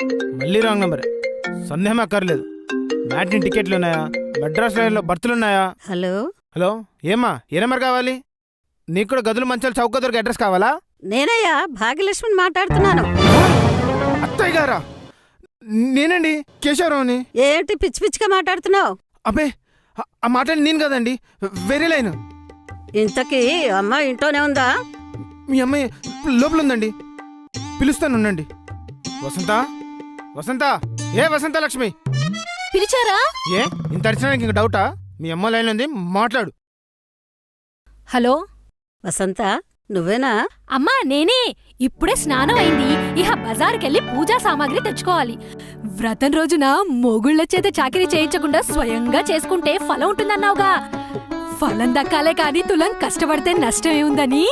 మళ్ళీ wrong number. సందేహం అక్కర్లేదు. మ్యాట్ని టికెట్లు ఉన్నాయా? మెడ్రాస్ రైల్లో బర్తులు ఉన్నాయా? హలో హలో, ఏమ్మా ఏ నెంబర్ కావాలి? నీకు కూడా గదులు మంచాలు చౌక దొరికి అడ్రస్ కావాలా? నేనయ్యా భాగ్యలక్ష్మిని మాట్లాడుతున్నాను. అత్తయ్య గారా? నేనండి, కేశవరావుని. ఏంటి పిచ్చి పిచ్చిగా మాట్లాడుతున్నావు? అబ్బే, ఆ మాటలు నేను కదండి, వేరే లైన్. ఇంతకీ అమ్మ ఇంట్లోనే ఉందా? మీ అమ్మాయి లోపల ఉందండి, పిలుస్తాను ఉండండి. వసంత, వసంత, ఏ వసంత లక్ష్మి పిలిచారా? ఏ ఇంత అడిచినానికి ఇంక డౌటా? మీ అమ్మ లైన్ ఉంది, మాట్లాడు. హలో వసంత, నువ్వేనా? అమ్మా నేనే. ఇప్పుడే స్నానం అయింది. ఇహ బజారుకెళ్ళి పూజా సామాగ్రి తెచ్చుకోవాలి. వ్రతం రోజున మొగుళ్ళ చేత చాకిరీ చేయించకుండా స్వయంగా చేసుకుంటే ఫలం ఉంటుందన్నావుగా. ఫలం దక్కాలే కాని తులం కష్టపడితే నష్టమేముందని